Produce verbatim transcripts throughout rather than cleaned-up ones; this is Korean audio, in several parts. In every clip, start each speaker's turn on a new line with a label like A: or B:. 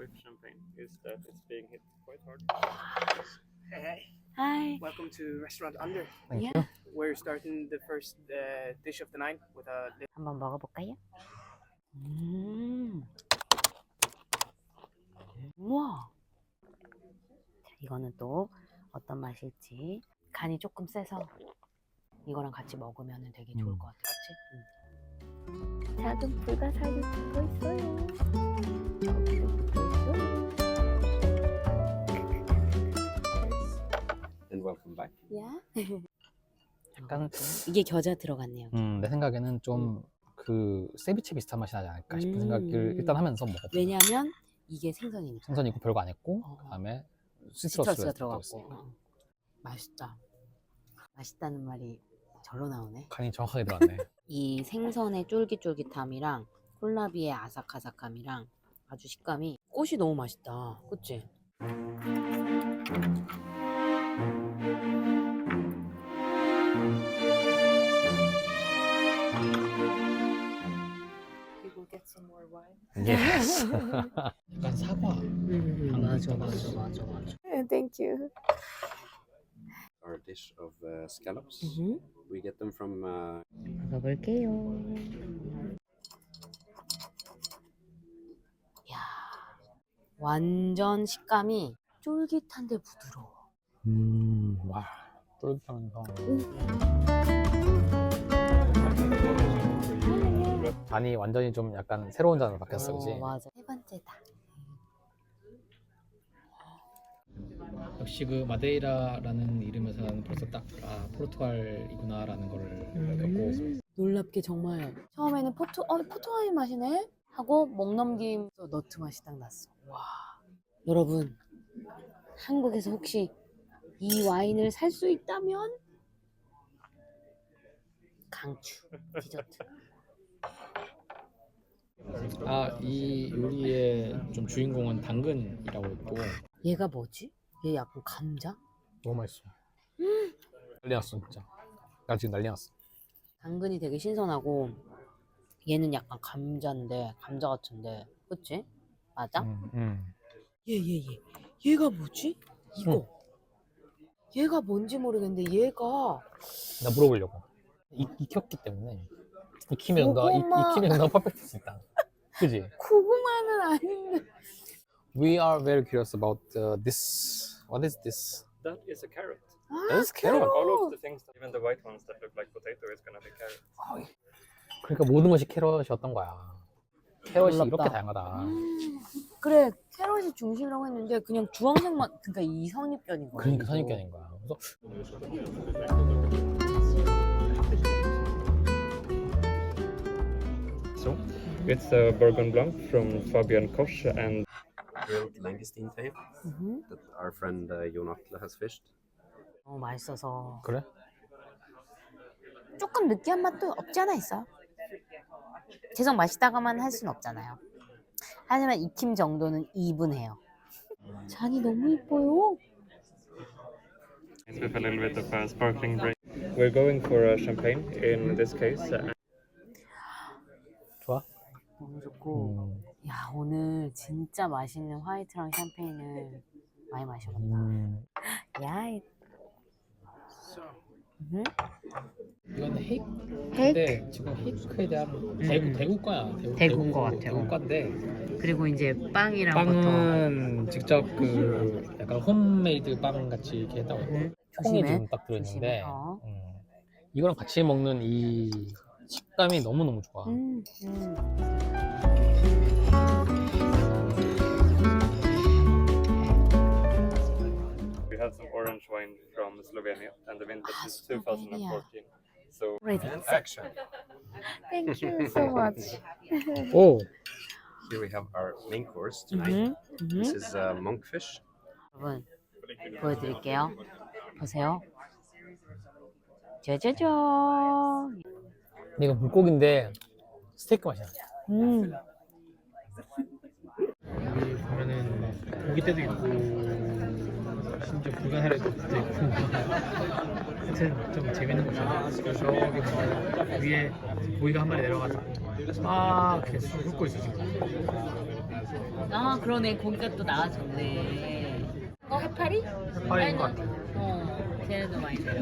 A: with champagne is that it's being hit quite hard.
B: Hey, hey,
C: Hi.
B: welcome to Restaurant Under.
D: Thank
C: Yeah.
D: you.
B: We're starting the first uh, dish of the night with a little
C: 한번 먹어볼까요? 음. 우와. 자, 이거는 또 어떤 맛일지. 간이 조금 세서 이거랑 같이 먹으면 되게 좋을
D: 음.
C: 것 같아, 그치? 음. 작은 불가사리 붙어 있어요. 저기도 붙어 있어요.
A: And welcome back.
C: 야.
D: 약간
C: 이게 겨자 들어갔네요.
D: 음, 내 생각에는 좀 그 세비체 비슷한 맛이 나지 않을까 싶은
C: 음.
D: 생각을 일단 하면서 먹었고.
C: 왜냐면 이게 생선이니까.
D: 생선이고 별거 안 했고
C: 어.
D: 그다음에
C: 시트러스가
D: 시트러스가
C: 들어갔고.
D: 들어갔고.
C: 어. 맛있다. 맛있다는 말이 절로 나오네.
D: 간이 정확하게 들어갔네.
C: 이 생선의 쫄깃쫄깃함이랑 콜라비의 아삭아삭함이랑 아주 식감이 꽃이 너무 맛있다. 그치?
D: Yes. 약간 사과.
C: 음, 맞아, 맞아, 맞아, 맞아. Thank you.
A: Our dish of uh, scallops.
C: 음,
A: We get them from uh,
C: 먹어볼게요. 야, 완전 식감이 쫄깃한데 부드러워.
D: 음, 와, 쫄깃하면서. 간이 완전히 좀 약간 새로운 잔으로 바뀌었어, 그지?
C: 어, 맞아. 세 번째다.
D: 역시 그 마데이라라는 이름에서 나는 벌써 딱 아, 포르투갈이구나라는 거를 느꼈고.
C: 놀랍게 정말 처음에는 포트, 어, 포트와인 맛이네? 하고 목 넘김 너트 맛이 딱 났어. 와. 여러분, 한국에서 혹시 이 와인을 살 수 있다면 강추 디저트.
D: 아, 이 요리의 좀 주인공은 당근이라고 있고.
C: 얘가 뭐지? 얘 약간 감자?
D: 너무 맛있어. 난리 났어, 진짜. 나 지금 난리 났어.
C: 당근이 되게 신선하고 얘는 약간 감자인데 감자 같은데 그치? 맞아?
D: 음, 음.
C: 얘 얘 얘 얘가 뭐지? 이거 얘가 뭔지 모르겠는데 얘가
D: 나 물어보려고. 익, 익혔기 때문에 익히면 너
C: 고구마.
D: 익히면 너 퍼펙트 수 있다. 그지?
C: 고구마는 아닌데.
D: We are very curious about uh, this. What is this?
A: that is a carrot.
C: 아,
D: That's carrot.
A: All of the things, that, even the white ones that look like potato, is gonna be carrot.
D: 그러니까 모든 것이 캐럿이었던 거야. 캐럿이
C: 놀랍다.
D: 이렇게 다양하다.
C: 음, 그래 캐럿이 중심이라고 했는데 그냥 주황색만 그러니까 이 선입견인 거야.
D: 그러니까 선입견인 거야. 그래서
A: So, it's a Bourgogne Blanc from Fabian Koch and grilled langoustine tail
C: 음,
A: that our friend uh, Jon Atle has fished.
C: 너무 맛있어서
D: 그래?
C: 조금 느끼한 맛도 없지 않아 있어. 계속 맛있다가만 할 수는 없잖아요. 하지만 익힘 정도는 이분해요. 잔이 너무 이뻐요.
A: With a little bit of a sparkling drink. We're going for a champagne in this case. Uh,
D: 좋아?
C: 너무 좋고
D: 음,
C: 야 오늘 진짜 맛있는 화이트랑 샴페인을 많이 마셔봤다.
D: 음.
C: 야 이- 음.
D: 이건 헤이크?
C: 헤이크?
D: 근데 지금 헤이크에 대한 대구, 대구과야. 대구,
C: 대구인 것 같아요.
D: 대구과인데
C: 그리고 이제 빵이랑 버터.
D: 빵은 직접 그 약간 홈메이드 빵 같이 이렇게 했다고 해요.
C: 음,
D: 콩이
C: 조심해.
D: 지금 딱 들어있는데
C: 조심해. 어.
D: 음, 이거랑 같이 먹는 이 식감이 너무너무 좋아.
C: 음, 음.
A: we have some orange wine from Slovenia, and the vintage
C: Ah,
A: is two thousand fourteen. So,
C: Ready.
A: and action.
C: Thank you so much.
D: 오!
A: Here we have our main course tonight.
C: 음, 음.
A: This is uh, monkfish.
C: 여러분 보여드릴게요. 보세요. 짜자잔.
D: 근데 이거 물고기인데 스테이크 맛이야.
C: 음.
D: 여기 보면은 막 고기 때도 있고 심지어 불가사리도 있고 하여튼 좀 재밌는 곳이야. 저기 뭐 위에 고기가 한 마리 내려가지고 막 이렇게 술 훑고 있어 지금.
C: 아 그러네. 고기가 또 나와졌네. 어 해파리?
D: 해파리인 것 같아.
C: 어 쟤네도 많이 줘요.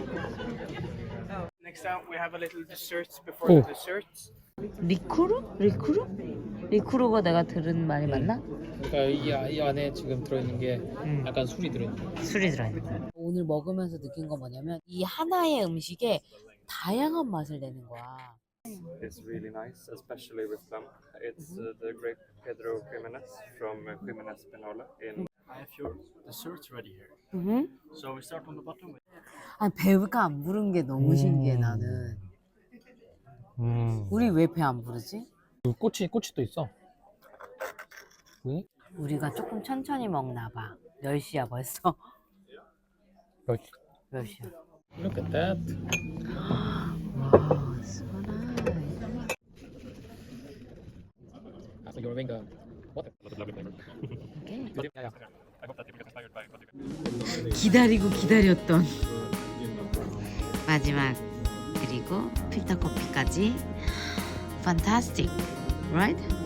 B: Next out, we have a little desserts before
D: Oh.
B: the desserts.
C: 리쿠르? 리쿠르? 리쿠르가 내가 들은 말이 맞나?
D: 그러니까 이, 아- 이 안에 지금 들어있는 게
C: 음.
D: 약간 술이 들어있는 거.
C: 술이 들어있는 거야. 오늘 먹으면서 느낀 건 뭐냐면 이 하나의 음식에 다양한 맛을 내는 거야.
A: It's really nice, especially with lamb. It's uh, the great Pedro Jimenez from uh, Jimenez Pinola in
E: I have your desserts ready here.
C: 음.
E: So we start on the bottom with
C: 아 배가 안 부른 게 너무 신기해 나는.
D: 음.
C: 우리 왜 배 안 부르지?
D: 꼬치 꼬치 또 있어. 왜?
C: 우리가 조금 천천히 먹나 봐. 몇 시야 벌써?
D: 몇 시?
C: 몇 시야?
D: Look at that.
C: 와, so nice.
D: Ah, so you're wearing the what?
C: Okay.
D: Yeah, yeah.
A: I hope that you get inspired by what you
C: 기다리고 기다렸던 마지막 그리고 필터 커피까지 fantastic, right?